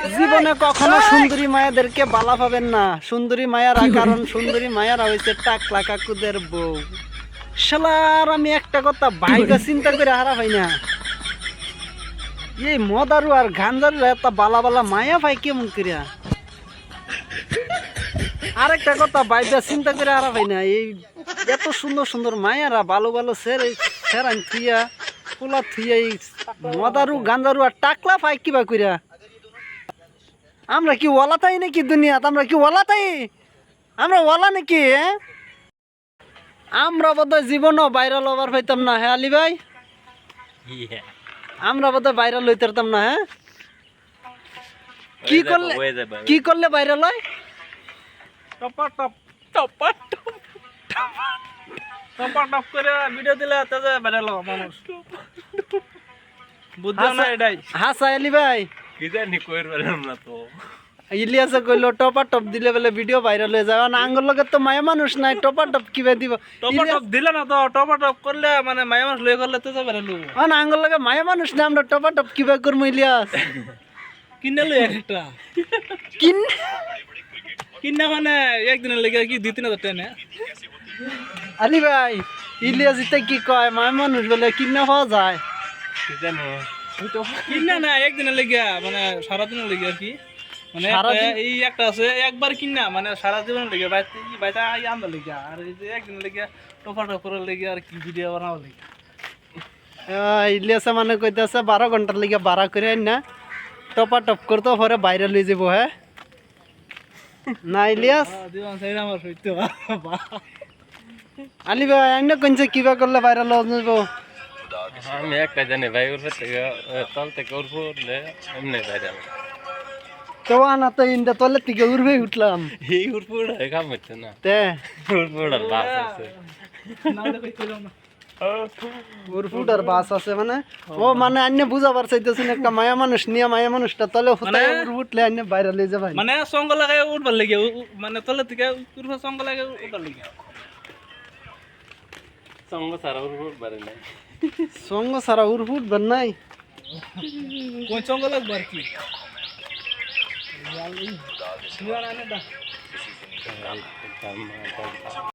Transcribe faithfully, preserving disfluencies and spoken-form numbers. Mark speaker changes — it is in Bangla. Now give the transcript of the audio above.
Speaker 1: জীবনে কখনো সুন্দরী মায়াদেরকে বালা পাবেন না। সুন্দরী মায়ারা, কারণ সুন্দরী মায়ারা হয়েছে টাকলা কাকুদের বউ। শালার আমি একটা কথা ভাইবা চিন্তা করে হারা ভাই না, এই মদারু আর গাঞ্জারু এত বালা বালা মায়া ভাই কেমন করিয়া। আরেকটা কথা ভাইবা চিন্তা করে হারা ভাই না, এই এত সুন্দর সুন্দর মায়ারা ভালো ভালো সেরে সেরান থুইয়া পোলা থুইয়া এই মদারু গাঞ্জারু আর টাকলা পাই কিবা করিয়া। আমরা কি ওলা তাই নাকি দুনিয়াত? আমরা কি ওলা তাই? আমরা ওলা নাকি? আমরা বোধহয় জীবনও ভাইরাল হবার পাইতাম না। হ্যাঁ আলী ভাই, আমরা বোধহয় ভাইরাল হইতে পারতাম না। হ্যাঁ কি করলে কি করলে ভাইরাল হয়?
Speaker 2: টপা টপ টপা টপ টপা টপ করে ভিডিও দিলে তাতে ভাইরাল হবে মানুষ। বুঝছো না এটাই?
Speaker 1: হাসা আলী ভাই
Speaker 2: কি জানি কইর পারলাম না তো।
Speaker 1: ইলিয়াসে কইলো টপা টপ দিলে বলে ভিডিও ভাইরাল হয়ে যাবে না। আঙ্গুর লগে তো মায়া মানুষ নাই, টপা টপ কিভাবে দিব?
Speaker 2: টপা টপ দিলে না তো, টপা টপ করলে মানে মায়া মানুষ লয়ে করলে তো ভাইরাল হবে।
Speaker 1: না আঙ্গুর লগে মায়া মানুষ না, আমরা টপা টপ কিভাবে করবো? ইলিয়াস
Speaker 2: কিনে লই একটা
Speaker 1: কিন
Speaker 2: কিনা মানে একদিনের লেগে কি দুই তিন হাজার টাকা নেয়।
Speaker 1: আলী ভাই ইলিয়াস ইতে কি কয় মায়া মানুষ বলে কিনা পাওয়া যায়?
Speaker 2: কি জানো কিনা না একদিনের লেগে মানে সারাদিনের লেগে আর কি, মানে এই একটা আছে একবার কিনা মানে সারা জীবনের লেগে বাইতা আন্দার লেগে, আর এই যে একদিনের লেগে টপা টপ করার লেগে আর কি ভিডিও বানাবার লেগে।
Speaker 1: ইলিয়াসে মানে কইতেছে বারো ঘন্টার লেগে বাড়া করে না টপা টপ করতে পরে বাইরে লয়ে যাবো। হ্যাঁ না ইলিয়াস?
Speaker 2: আমার সইতে
Speaker 1: আলী ভাই অন্য কোনছে কিবা করলে ভাইরাল হয়ে যাবো?
Speaker 3: আমি একটা জানি ভাই, উঠে থেকে তল থেকে উঠবো উঠলে এমনি ভাইরাল।
Speaker 1: তো না তো ইন্দা তলের থেকে উড়বে উঠলাম,
Speaker 3: এই উঠবো উঠে কাম হচ্ছে না,
Speaker 1: তে
Speaker 3: উঠবো উঠার বাস আছে।
Speaker 1: উড়ফুটার বাস আছে মানে ও মানে অন্য বুঝাবার চাইতেছেন একটা মায়া মানুষ নিয়ে মায়া মানুষটা তলে ফুটায় উঠলে অন্য বাইরে লয়ে যাবে
Speaker 2: মানে সঙ্গ লাগাই উঠবার লেগে, মানে তলে থেকে উঠবো সঙ্গ লাগাই উঠবার লেগে।
Speaker 3: সঙ্গ সারা উঠবো পারে নাই,
Speaker 1: সঙ্গ সারা উড়ফুট বের নাই,
Speaker 2: কোন সঙ্গ লাগবে আর কি।